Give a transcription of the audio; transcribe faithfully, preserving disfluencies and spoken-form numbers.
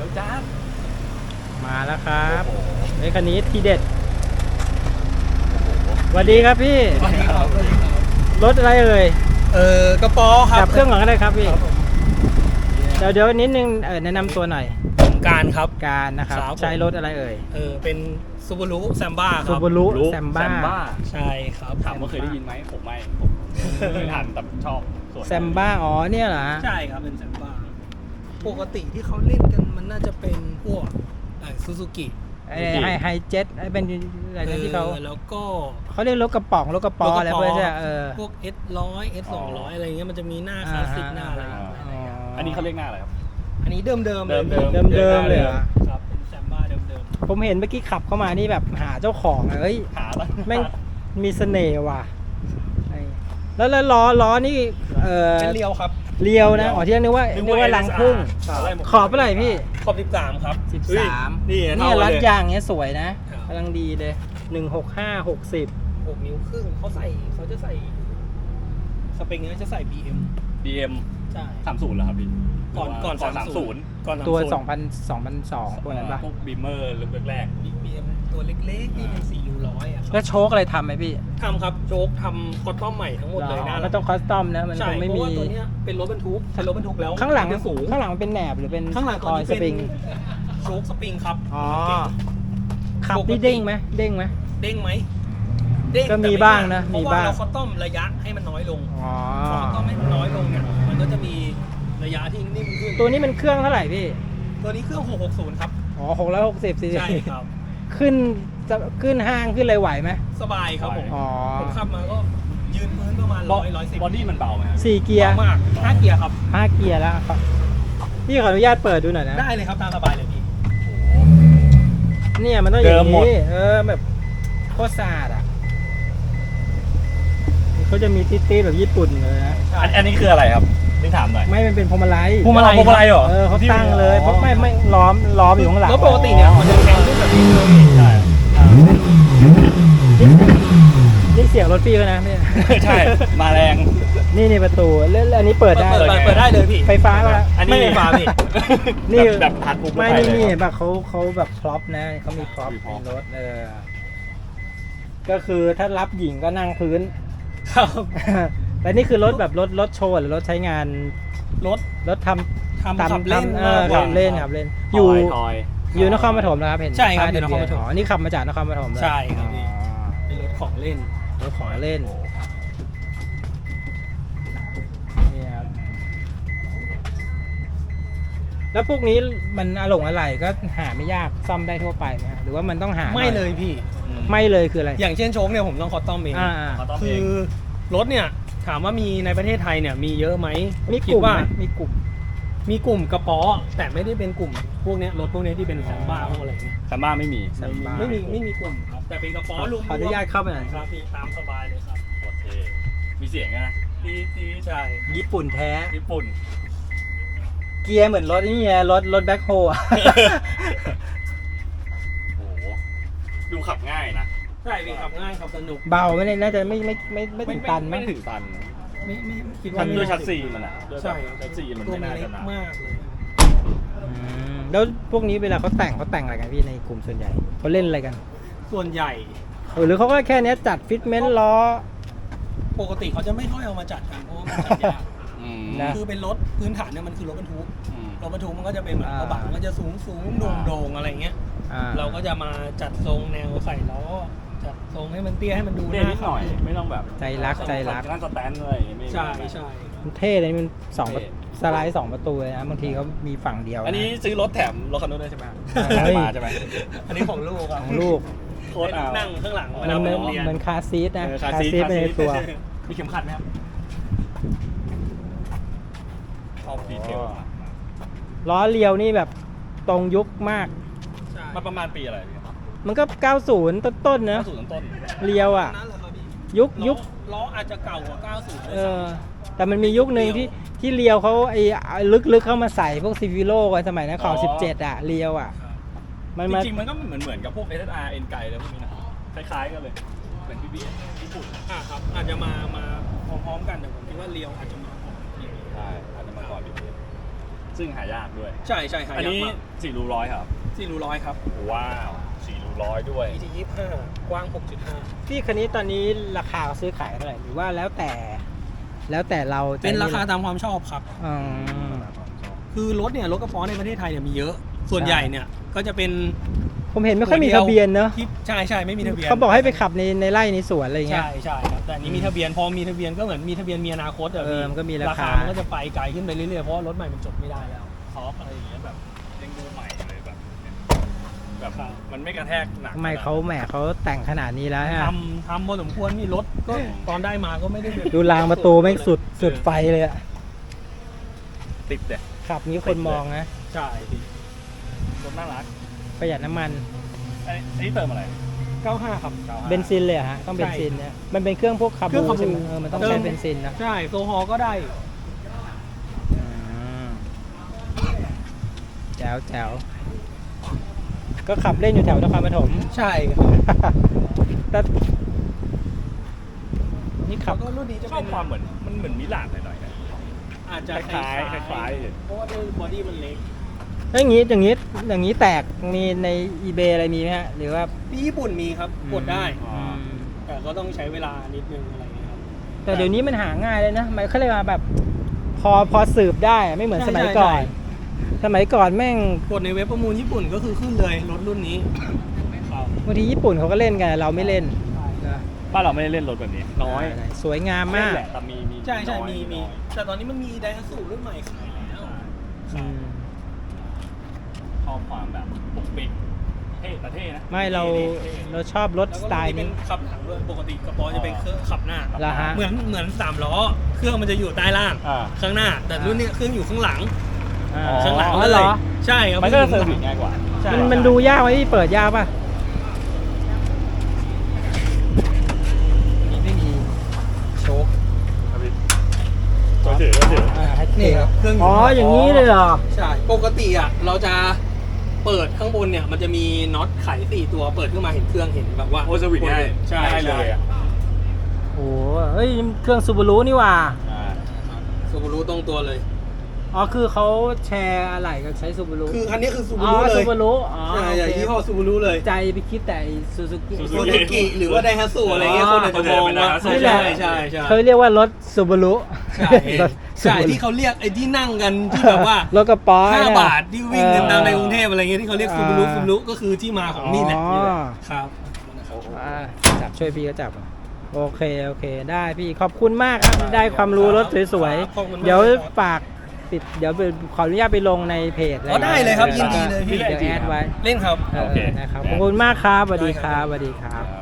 ดี๋ยวจ้ามาแล้วครับไอ้คันนี้ทีเด็ดสวัสดีครับพี่รถอะไรเอ่ยเออกระป๋อครับจับเครื่องก่อนก็ได้ครับพี่เดี๋ยวเดี๋ยวนิดนึงเออแนะนำตัวหน่อยผมการครับการนะครับใช้รถอะไรเอ่ยเออเป็นซูบูรุแซมบ้าครับซูบูรุแซมบ้าใช่ครับถามว่าเคยได้ยินไหมผมไม่ผมไม่ทันแต่ชอบแซมบ้าอ๋อเนี่ยเหรอใช่ครับเป็นแซมบ้าปกติที่เขาเล่นกันมันน่าจะเป็นพวกซูซูกิไอ้ไฮไฮเจ็ตไอ้เป็นอะไรที่เขาแล้วก็เขาเรียกรถกระป๋องรถกระป๋ออะไรพวกนี้เออพวก เอส ร้อย เอส สองร้อย อะไรเงี้ยมันจะมีหน้าคลาสสิกหน้าอะไรอันนี้เขาเรียกหน้าอะไรครับอันนี้เดิมเดิมเดิมเดิมเดิมเดิมเลยครับเป็นแซมบ้าเดิมเดิมผมเห็นเมื่อกี้ขับเข้ามานี่แบบหาเจ้าของเอ้ยหาแล้วแม่งมีเสน่ห์ว่ะแล้วแล้วล้อล้อนี่เออเป็นเรียวครับเรียวนะอ๋อที่นึกว่านึกว่าลังพุ่งขอบเท่าไหร่พี่ขอบสิบสามครับสิบสามนี่นี่รัดยางเนี้ยสวยนะกำลังดีเลยหนึ่งหกห้าหกสิบหกนิ้วครึ่งเขาใส่เขาจะใส่สปริงเนี้ยจะใส่ บี เอ็มบี เอ็มใช่สามสิบเหรอครับพี่ก่อนก่อนสามสิบก่อนตัวสองพันสองพันสองตัวนั้นป่ะพวกบีเมอร์เริ่มแรกบี เอ็ม ตัวเล็กๆนี่เป็นสี่ยูร้อยอ่ะแล้วโชคอะไรทำไหมพี่ทำครับโชคทำคอสตอมใหม่ทั้งหมดเลยนะมันต้องคอสตอมนะมันคงไม่มีเพราะว่าตัวเนี้ยเป็นรถบรรทุกเป็นรถบรรทุกแล้วข้างหลังสูงข้างหลังเป็นแหนบหรือเป็นข้างหลังคอยสปริงโชคสปริงครับอ๋อขับนี่เด้งไหมเด้งไหมเด้งไหมก็มีบ้างนะมีบ้างเราคอสตอมระยะให้มันน้อยลงอ๋อคอสตอมให้มันน้อยลงเนี่ยมันก็จะมีระยะที่นิ่มขึ้นตัวนี้มันเครื่องเท่าไหร่พี่ตัวนี้เครื่องหกหกศูนย์ครับอ๋อหกร้อยหกสิบซีซีใช่ครับขึ้นจะขึ้นห้างขึ้นอะไรไหวไหมสบายครับผมอ๋อผมขับมาก็ยืนพื้นประมาณร้อยร้อยสิบบอดี้มันเบาไหมสี่เกียร์มากห้าเกียร์ครับห้าเกียร์แล้วครับพี่ขออนุญาตเปิดดูหน่อยนะได้เลยครับตามสบายเลยพี่เนี่ยมันต้องอย่างนี้เออแบบโคตรสะอาดอ่ะเขาจะมีติ๊ดๆแบบญี่ปุ่นเลยนะอันนี้คืออะไรครับนี่ถามหน่อยไม่มันเป็นพวงมาลัยพวงมาลัยพวงมาลัยเหรอเออเขาตั้งเลยเพราะไม่ไม่ล้อมล้อมอยู่ข้างหลังแล้วปกติเนี่ยมันจะแข็งขึ้นแบบนี้เลยใช่นี่เสียงรถพี่เขานะเนี่ยใช่มาแรงนี่นี่ประตูแล้วอันนี้เปิดได้เปิดได้เลยพี่ไฟฟ้าป่ะไม่ไฟฟ้าพี่นี่แบบหัดปุ๊บไม่นี่นี่แบบเขาเขาแบบพร็อพนะเขามีพร็อพในรถเออก็คือถ้ารับหญิงก็นั่งพื้นครับแต่นี่คือรถแบบรถรถโชว์หรือรถใช้งานรถรถทำทำขับเล่นเออขับเล่นขับเล่นอยู่อยู่นครปฐมนะครับเห็นใช่ครับอยู่นครปฐมอ๋อนี่ขับมาจากนครปฐมเลยใช่ครับเป็นรถของเล่นรถของเล่นนี่ครับแล้วพวกนี้มันอลงอะไรก็หาไม่ยากซ่อมได้ทั่วไปไหมหรือว่ามันต้องหาไม่เลยพี่ไม่เลยคืออะไรอย่างเช่นโชคเนี่ยผมต้องคอสตอมเองคือรถเนี่ยถามว่ามีในประเทศไทยเนี่ยมีเยอะไหมมีกลุ่มมีกลุ่มมีกลุ่มกระป๋อแต่ไม่ได้เป็นกลุ่มพวกนี้รถพวกนี้ที่เป็นแซมบ้าพวกอะไรเงี้ยแซมบ้าไม่มีไม่มีไม่มีกลุ่มครับแต่เป็นกระป๋อรวมขออนุญาตเข้าไปหน่อยครับพี่ตามสบายเลยครับโอเคมีเสียงนะตีตีใช่ญี่ปุ่นแท้ญี่ปุ่นเกียร์เหมือนรถนี่ไงรถรถแบ็คโฮอ่ะโอ้โหดูขับง่ายนะใช่พี่ขับง่ายขับสนุกเบาไม่ได้น่าจะไม่ไม่ไม่ไม่ถึงตันไม่ถึงตันไม่ไม่คิดว่าด้วยชัสซีมันอ่ะใช่ชัสซีมันไม่น่าจะหนักมากเลยแล้วพวกนี้เวลาเขาแต่งเขาแต่งอะไรกันพี่ในกลุ่มส่วนใหญ่เขาเล่นอะไรกันส่วนใหญ่หรือเขาก็แค่นี้จัดฟิตเมนต์ล้อปกติเขาจะไม่ค่อยเอามาจัดกันเพราะว่ามันจัดยากคือเป็นรถพื้นฐานเนี่ยมันคือรถบรรทุกรถบรรทุกมันก็จะเป็นแบบกระบะมันก็จะสูงสูงโด่งโด่งอะไรเงี้ยเราก็จะมาจัดทรงแนวใส่ล้อจัดทรงให้มันเตี้ยให้มันดูน่าหน่อยไม่ต้องแบบใจรักใจรักนั่นสแตนเลยใช่ใช่มันเท่เลยมันสองสไลด์สองประตูเลยนะบางทีเขามีฝั่งเดียวอันนี้ซื้อรถแถมรถคันนู้นด้วยใช่ไหมมาใช่ไหมอันนี้ของลูกของลูกโคตรเอานั่งข้างหลังเวลาไปโรงเรียนมันคาร์ซีทนะคาร์ซีทในตัวมีเข็มขัดไหมครับชอบดีเทลล้อเลียวนี่แบบตรงยุคมากมาประมาณปีอะไรมันก็เก้าสิบต้นๆนะเก้าสิบต้นเลียวอ่ะยุคยุคล้ออาจจะเก่ากว่าเก้าสิบเออแต่มันมียุคนึงที่ที่เลียวเขาไอ้ลึกๆเข้ามาใส่พวกซีวิโร่ไว้สมัยนั้นข่าวสิบเจ็ดอ่ะเลียวอ่ะมันจริงๆมันก็เหมือนเหมือนกับพวก เอส เอส อาร์ เอ็น ไก่อะไรพวกนี้นะคล้ายๆกันเลยเหมือน พี บี เอส ญี่ปุ่นอ่ะครับอาจจะมามาพร้อมๆกันแต่ผมคิดว่าเลียวอาจจะมาก่อนใช่อาจจะมาก่อน พี บี เอสซซึ่งหายากด้วยใช่ใช่หาอันยากนี้มากสี่รูร้อยครับสี่รูร้อยครับว้าวสี่รูร้อยด้วยอี ที ยี่สิบห้ากว้าง หกจุดห้าพี่คันนี้ตอนนี้ราคาซื้อขายเท่าไหร่หรือว่าแล้วแต่ แล้วแต่เราจะเป็นราคาตามความชอบครับอืมคือรถเนี่ยรถกระป๋อในประเทศไทยเนี่ยมีเยอะ ส่วนใหญ่เนี่ยก็จะเป็นผมเห็นไม่ค่อยมีทะเบียนเนอะที่ใช่ใช่ไม่มีทะเบียนเขาบอกให้ไปขับในในไร่ในสวนอะไรเงี้ยใช่ใช่ครับแต่อันนี้มีทะเบียนพอมีทะเบียนก็เหมือนมีทะเบียนมีอนาคตอะเออพี่มันก็มีราคามันก็จะไปไกลขึ้นไปเรื่อยๆเพราะว่ารถใหม่มันจดไม่ได้แล้วซอฟอะไรอย่างเงี้ยแบบยังดูใหม่เลยแบบแบบครับมันไม่กระแทกหนักทำไมเขาแหมเขาแต่งขนาดนี้แล้วฮะทำทำพอสมควรมีรถก็ตอนได้มาก็ไม่ได้แบบดูรางประตูแม่งสุดสุดไฟเลยอะติดเด็ดขับนี้คนมองนะใช่พี่รถน่ารักประหยัดน้ำมันอันนี้อันนี้เติมอะไรเก้าห้าครับเบนซินเลยเหรอฮะต้องเบนซินเนี่ยมันเป็นเครื่องพวกคาเครื่บูองคาบูเออมันต้องใช้เบนซินนะใช่โซฮอลก็ได้อืมแจ๋วแจ๋วก็ขับเล่นอยู่แถวนครปฐมใช่ครับแต่นี่ขับแล้วก็รุ่นนี้จะชอเป็บนความเหมือนมันเหมือนมิลานหน่อยๆนะอาจจะคล้ายๆคล้ายๆเพราะว่าด้วยบอดี้มันเล็กแล้วอย่างนี้อย่างนี้อย่างนี้แตกมีใน eBay อะไรมีไหมฮะ หรือว่าที่ญี่ปุ่นมีครับกดได้อ๋อแต่ก็ต้องใช้เวลานิดนึงอะไรเงี้ยครับแต่เดี๋ยวนี้มันหาง่ายเลยนะมันเขาเรียกว่าแบบ พอพอสืบได้อะไม่เหมือนใช่สมัยใช่ก่อนใช่สมัยก่อนแม่งกดในเว็บประมูลญี่ปุ่นก็คือขึ้นเลยรถรุ่นนี้ครับบางทีญี่ปุ่นเขาก็เล่นกันเราไม่เล่นนะบ้านเราไม่ได้เล่นรถแบบนี้น้อยสวยงามมากเล่นแหละแต่มีมีใช่ใช่น้อยมีมีน้อยแต่ตอนนี้มันมีไดฮัตสุรุ่นใหม่ขายแล้วอืมชอบความแบบปุกปิกเท่แต่เท่นะไม่เราท่เราชอบรถแล้วสก็ไตรุ่นล์นี้เป็นี้นขับหลังด้วยปกติกระป๋อจะเป็นเครื่องขับหน้าเหรอฮะเหมือนเหมือนสามล้อ เครื่องมันจะอยู่ใต้ล่างอ่าข้างหน้า แต่รุ่นนี้เครื่องอยู่ข้างหลังอ่าอ๋อข้างหลังอ๋อเลเหรยอใช่ครับมันก็จะเซอร์วิสง่ายกว่าใช่มันมันดูยากไหมพี่เปิดยากป่ะนี่ไม่มีโชคครับพี่ตัวถือตัวถืออ่าให้นี่ครับเครื่องอ๋ออย่างนี้เลยเหรอใช่ปกติอ่ะเราจะเปิดข้างบนเนี่ยมันจะมีน็อตไขสี่ตัวเปิดขึ้นมาเห็นเครื่องเห็นแบบว่าโอ้เซอร์วิสง่ายใช่ง่ายเลใช่ยอ่ะโอ้เฮ้ยเครื่องซูบารุนี่หว่าอ่าซูบารุตรงตัวเลยอ๋อคือเขาแชร์อะไรกันใช้ซูบารุคือคันนี้คือซูอ๋บาอรุเลซูยบารุอ๋อใช่โอใช่เคยี่ห้อซูบารุเลยใจไปคิดแต่ซูซูกิซูซูกิหรือว่าไดฮัตสุอะไรเงี้ยคนอาจจะมองว่านี่แหละใช่ใช่ใช่เขาเรียกว่ารถซูบารุใช่ใช่ที่เขาเรียกไอ้ที่นั่งกันที่แบบว่ารถกระป๋อห้าเนี่ยบาทที่วิ่งกันตามในกรุงเทพอะไรเงี้ยที่เขาเรียกซูบารุซูบารุก็คือที่มาของนี่แหละอ๋อนี่แหละครับอ่าจับช่วยพี่ก็จับอ่ะโอเคโอเคได้พี่ขอบคุณมากครับได้ความรู้รถสวยขอบคุณมากๆเดี๋ยวครับฝากปิดเดี๋ยวขออนุญาตไปลงในเพจอ๋อได้เลยครับยินดีเลยพี่เดี๋ยวแอดไว้เล่นครับเออนะครับขอบคุณมากครับสวัสดีครับสวัสดีครับ